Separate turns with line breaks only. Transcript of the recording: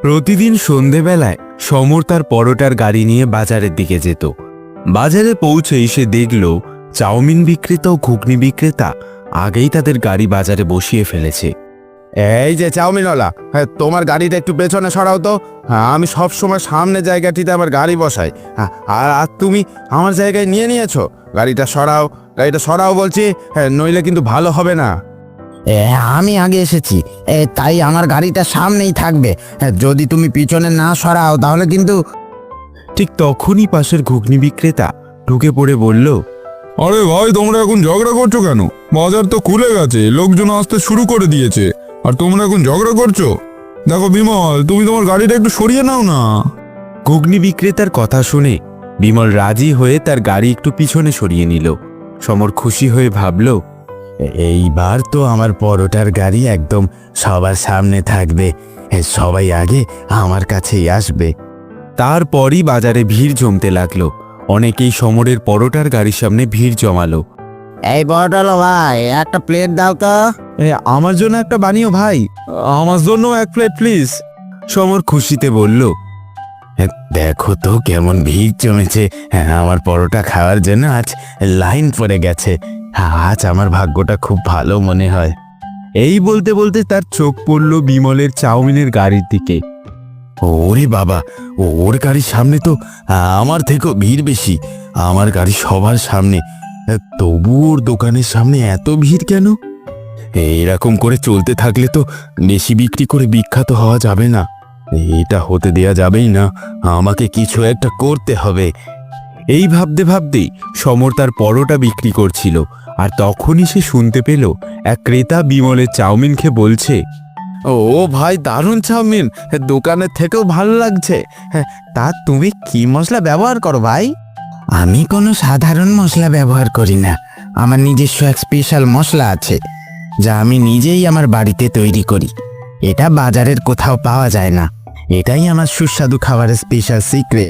প্রতিদিন সন্ধেবেলায় সমর তার পরোটার গাড়ি নিয়ে বাজারের দিকে যেত। বাজারে পৌঁছেই সে দেখল চাউমিন বিক্রেতা ও ঘুগনি বিক্রেতা আগেই তাদের গাড়ি বাজারে বসিয়ে ফেলেছে।
এই যে চাউমিনওয়ালা, হ্যাঁ তোমার গাড়িটা একটু পেছনে সরাও তো। হ্যাঁ, আমি সব সময় সামনে জায়গাটিতে আমার গাড়ি বসাই। হ্যাঁ, আর তুমি আমার জায়গায় নিয়েছো। গাড়িটা সরাও বলছি। হ্যাঁ, নইলে কিন্তু ভালো হবে না।
আমি আগে এসেছি, তাই আমার গাড়িটা সামনেই থাকবে। যদি তুমি পিছনে না সরাও তাহলে কিন্তু।
ঠিক তখনই পাশের ঘুগনি বিক্রেতা ঢুকে পড়ে বলল,
আরে ভাই, তোমরা এখন ঝগড়া করছো কেন? বাজার তো খুলে গেছে, লোকজন আসতে শুরু করে দিয়েছে, আর তোমরা এখন ঝগড়া করছো? দেখো বিমল, তুমি তোমার গাড়িটা একটু সরিয়ে নাও না।
ঘুগনি বিক্রেতার কথা শুনে বিমল রাজি হয়ে তার গাড়ি একটু পিছনে সরিয়ে নিল। সমর খুশি হয়ে ভাবল,
এইবার তো আমার পরোটার গাড়ি একদম সবার সামনে থাকবে, সবাই আগে আমার কাছেই আসবে।
তারপরই বাজারে ভিড় জমতে লাগলো। অনেকেই সমরের পরোটার গাড়ির সামনে ভিড় জমালো।
এই পরোটা ভাই, একটা প্লেট দাও তো।
আমার জন্য একটা বানিও ভাই, আমার জন্য এক প্লেট প্লিজ। সমর খুশিতে বলল,
দেখো তো কেমন ভিড় জমেছে। আমার পরোটা খাওয়ার জন্য আজ লাইন পড়ে গেছে। আজ আমার ভাগ্যটা খুব ভালো মনে হয়।
এই বলতে বলতে তার চোখ পড়ল বিমলের চাউমিনের গাড়ির দিকে।
ওরে বাবা, ওর গাড়ির সামনে তো আমার থেকেও ভিড় বেশি। আমার গাড়ি সবার সামনে, তবু ওর দোকানের সামনে এত ভিড় কেন? এরকম করে চলতে থাকলে তো বেশি বিক্রি করে বিখ্যাত হওয়া যাবে না। এটা হতে দেয়া যাবেই না, আমাকে কিছু একটা করতে হবে।
এই ভাবতে ভাবতেই সমর তার পরোটা বিক্রি করছিল, আর তখনই সে শুনতে পেল এক ক্রেতা বিমলের চাউমিন খেয়ে বলছে,
ও ভাই, দারুণ চাউমিন, দোকানের থেকেও ভালো লাগছে। হ্যাঁ, তা তুমি কি মশলা ব্যবহার করো ভাই?
আমি কোনো সাধারণ মশলা ব্যবহার করি না। আমার নিজস্ব এক স্পেশাল মশলা আছে, যা আমি নিজেই আমার বাড়িতে তৈরি করি। এটা বাজারের কোথাও পাওয়া যায় না। এটাই আমার সুস্বাদু খাবারের স্পেশাল সিক্রেট।